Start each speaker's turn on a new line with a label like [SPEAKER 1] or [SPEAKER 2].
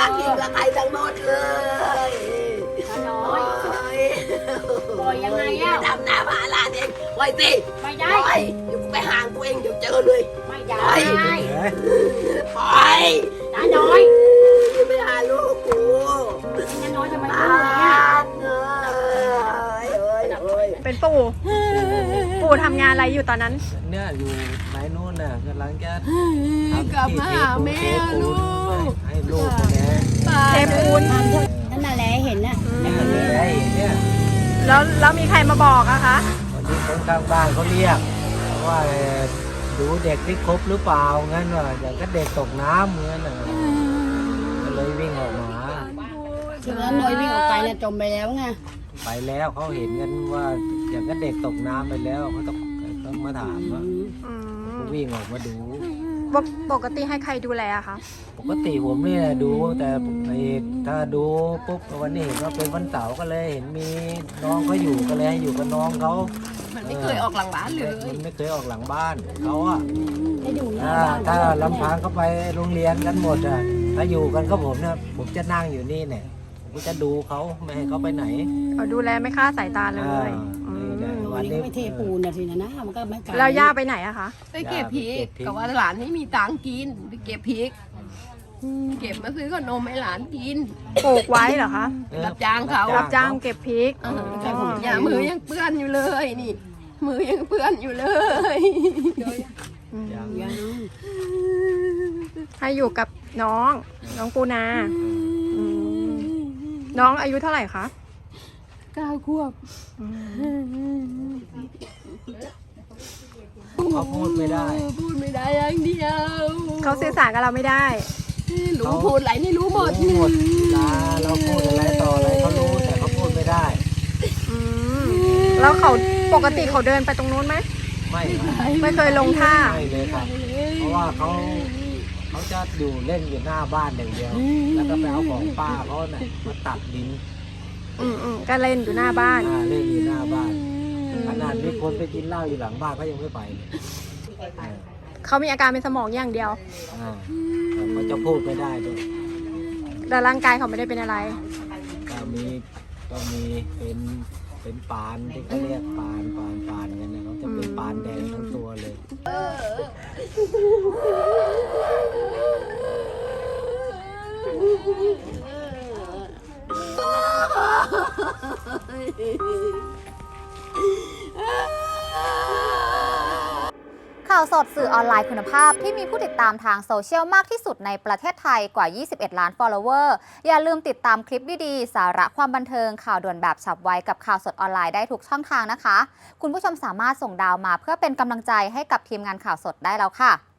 [SPEAKER 1] กินละใครทั้งหมดเลย
[SPEAKER 2] น้อยปล่อยยังไงอ่ะ
[SPEAKER 1] ทำหน้าผาลาเองไว้สิ
[SPEAKER 2] ไม่ได้
[SPEAKER 1] ปล่อยเดี๋ยวไปห่างตัวเองเดี๋ยวเจอเลย
[SPEAKER 2] ไม่ได้
[SPEAKER 1] ปล่อย
[SPEAKER 2] น้าน้อย
[SPEAKER 1] ไปหาลูกกู
[SPEAKER 2] น้าน้อยทำไม
[SPEAKER 1] บ้
[SPEAKER 2] พูดอย่างเงี้ย
[SPEAKER 1] านเอ้ย
[SPEAKER 3] เป็นปู่ทำงานอะไรอยู่ตอนนั้น
[SPEAKER 4] เนี่ยอยู่ไหนนู่นน่ะกำลังจะทำ
[SPEAKER 1] กลับมาหาแม่ลูก
[SPEAKER 4] ให้ลูกคนนี้
[SPEAKER 3] เทปูน
[SPEAKER 2] นั่นน่ะแหละเห็นน่ะ
[SPEAKER 4] เนี่ย
[SPEAKER 3] แล้วมีใครมาบอกอะคะ
[SPEAKER 4] วันนี้คนข้างบ้านเขาเรียกว่าดูเด็กที่ครบหรือเปล่างั้นว่าอย่างก็เด็กตกน้ำงั้นน่ะก็เลยวิ่งออกมา
[SPEAKER 2] คือว่าน้อยวิ่งออกไปน่ะจมไปแล้วไง
[SPEAKER 4] ไปแล้วเขาเห็นกันว่าอย่างก็เด็กตกน้ำไปแล้วเขาต้องมาถามว่า
[SPEAKER 3] อืม
[SPEAKER 4] ก็วิ่งออกมาดู
[SPEAKER 3] ปกติให้ใครดูแลอะคะ
[SPEAKER 4] ปกติผมเนี่ยดูแต่ถ้าดูปุ๊บวันนี้เห็นว่าเป็นวันเสาร์ก็เลยเห็นมีน้องเขาอยู่ก็เลยให้อยู่กับน้องเขา
[SPEAKER 1] มันไม่เคยออกหลังบ้านเลย
[SPEAKER 4] มันไม่เคยออกหลังบ้านเขาอะ
[SPEAKER 2] ให้ดูหน้า
[SPEAKER 4] ถ้า
[SPEAKER 2] บ้าน
[SPEAKER 4] ลำพังเขาไปโรงเรียนกันหมดอะถ้าอยู่กันก็ผมเนี่ยผมจะนั่งอยู่นี่เนี่ยผมก็จะดูเขาไม่ให้เขาไปไหน
[SPEAKER 3] เขาดูแลไม่คลาดสายตาเลย
[SPEAKER 4] อ่า
[SPEAKER 3] อืม
[SPEAKER 4] นี่แหละ
[SPEAKER 2] วั
[SPEAKER 4] วัน น
[SPEAKER 2] นี้
[SPEAKER 4] นี้
[SPEAKER 2] ก็ไม่เทปูนนะทีนะมันก็ไม่ไกล
[SPEAKER 3] แล้วย่าไปไหนอะคะ
[SPEAKER 1] ไปเก็บพริกกับว่าหลานไม่มีตังค์กินไปเก็บพริกเก็บมาซื้อขนมให้หลานกิน
[SPEAKER 3] ปลูกไว้เหรอคะ
[SPEAKER 1] รับจ้างเขา
[SPEAKER 3] รับจ้างเก็บพริก
[SPEAKER 1] อย่ามือยังเปื้อนอยู่เลยนี่ มือยังเปื้อนอยู่เลย
[SPEAKER 4] ยัง
[SPEAKER 2] ยัง
[SPEAKER 3] ให้อยู่กับน้องปูนาอืมน้องอายุเท่าไหร่คะ
[SPEAKER 1] 9 ขวบ
[SPEAKER 4] เขาพูดไม่ได้
[SPEAKER 1] พูดไม่ได้อย่างเดียว
[SPEAKER 3] เขาสื่อสารกับเราไม่ได้
[SPEAKER 1] รู้พูดอะไรนี่รู้หมด
[SPEAKER 4] รู้หมดเราพูดอะไรต่ออะไรเขารู้แต่เขาพูดไม่ได้
[SPEAKER 3] อืมแล้วเขาปกติเขาเดินไปตรงนู้นไหม
[SPEAKER 4] ไม่ไม่
[SPEAKER 3] ไม่เคยลงท่า
[SPEAKER 4] ไม่เลยครับ เพราะว่าเขาจะอยู่เล่นอยู่หน้าบ้านอย่างเดียว แล้วก็ไปเอาของป้าเขาเนี่ยมาตัดดิน
[SPEAKER 3] ก็เล่นอยู่หน้าบ้าน
[SPEAKER 4] เล่นอยู่หน้าบ้าน ขนาดมีคนไปกินเหล้าอยู่หลังบ้านเขายังไม่ไปเลย
[SPEAKER 3] เขามีอาการเป็นสมองอย่างเดียว
[SPEAKER 4] แต่เขาจะพูดไม่ได้ด้วย
[SPEAKER 3] แต่ร่างกายเขาไม่ได้เป็นอะไร
[SPEAKER 4] ก็มีเป็นปานที่เขาเรียกปานกันนะเขาจะเป็นปานแดงทั้งตัวเลย
[SPEAKER 5] ข่าวสดสื่อออนไลน์คุณภาพที่มีผู้ติดตามทางโซเชียลมากที่สุดในประเทศไทยกว่า 21 ล้าน follower อย่าลืมติดตามคลิปดีๆ สาระความบันเทิงข่าวด่วนแบบฉับไวกับข่าวสดออนไลน์ได้ทุกช่องทางนะคะ คุณผู้ชมสามารถส่งดาวมาเพื่อเป็นกำลังใจให้กับทีมงานข่าวสดได้แล้วค่ะ